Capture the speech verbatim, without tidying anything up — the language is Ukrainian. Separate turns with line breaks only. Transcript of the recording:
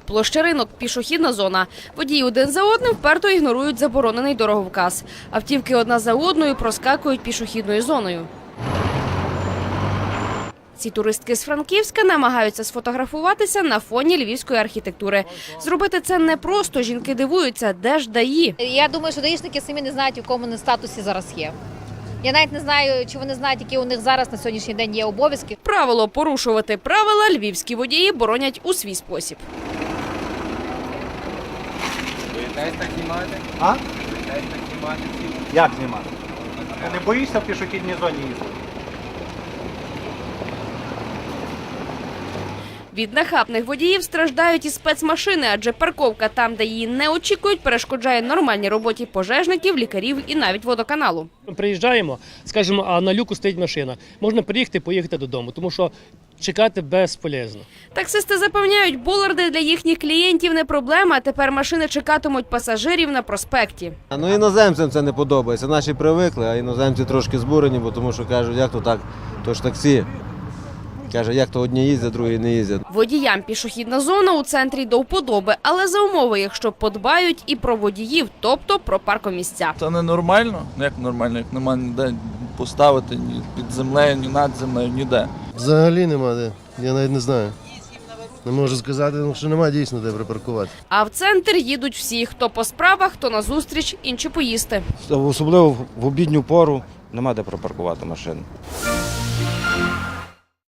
Площа Ринок – пішохідна зона. Водії один за одним вперто ігнорують заборонений дороговказ. Автівки одна за одною проскакують пішохідною зоною. Ці туристки з Франківська намагаються сфотографуватися на фоні львівської архітектури. Зробити це непросто. Жінки дивуються, де ж ДАІ.
Я думаю, що даїшники самі не знають, у якому вони статусі зараз є. Я навіть не знаю, чи вони знають, які у них зараз на сьогоднішній день є обов'язки.
Правило порушувати правила львівські водії боронять у свій спосіб.
Боїтесь так знімати?
А?
Боїтесь так знімати?
Як знімати? Ти не боїшся в пішохідній зоні їздити?
Від нахабних водіїв страждають і спецмашини, адже парковка там, де її не очікують, перешкоджає нормальній роботі пожежників, лікарів і навіть водоканалу.
Ми приїжджаємо, скажімо, а на люку стоїть машина. Можна приїхати, поїхати додому, тому що чекати безполезно.
Таксисти запевняють, боларди для їхніх клієнтів не проблема, а тепер машини чекатимуть пасажирів на проспекті.
Ну, іноземцям це не подобається. Наші привикли, а іноземці трошки збурені, бо тому що кажуть, як то так, то ж таксі. Каже, як то одні їздять, другі не їздять.
Водіям пішохідна зона у центрі до вподоби, але за умови, якщо подбають і про водіїв, тобто про паркомісця.
Це не нормально? Як нормально, як нема ніде поставити, ні під землею, ні над землею, ніде.
Взагалі нема де, я навіть не знаю. Не можу сказати, що немає дійсно де припаркувати.
А в центр їдуть всі, хто по справах, хто на зустріч, інші поїсти.
Особливо в обідню пору нема де припаркувати машину.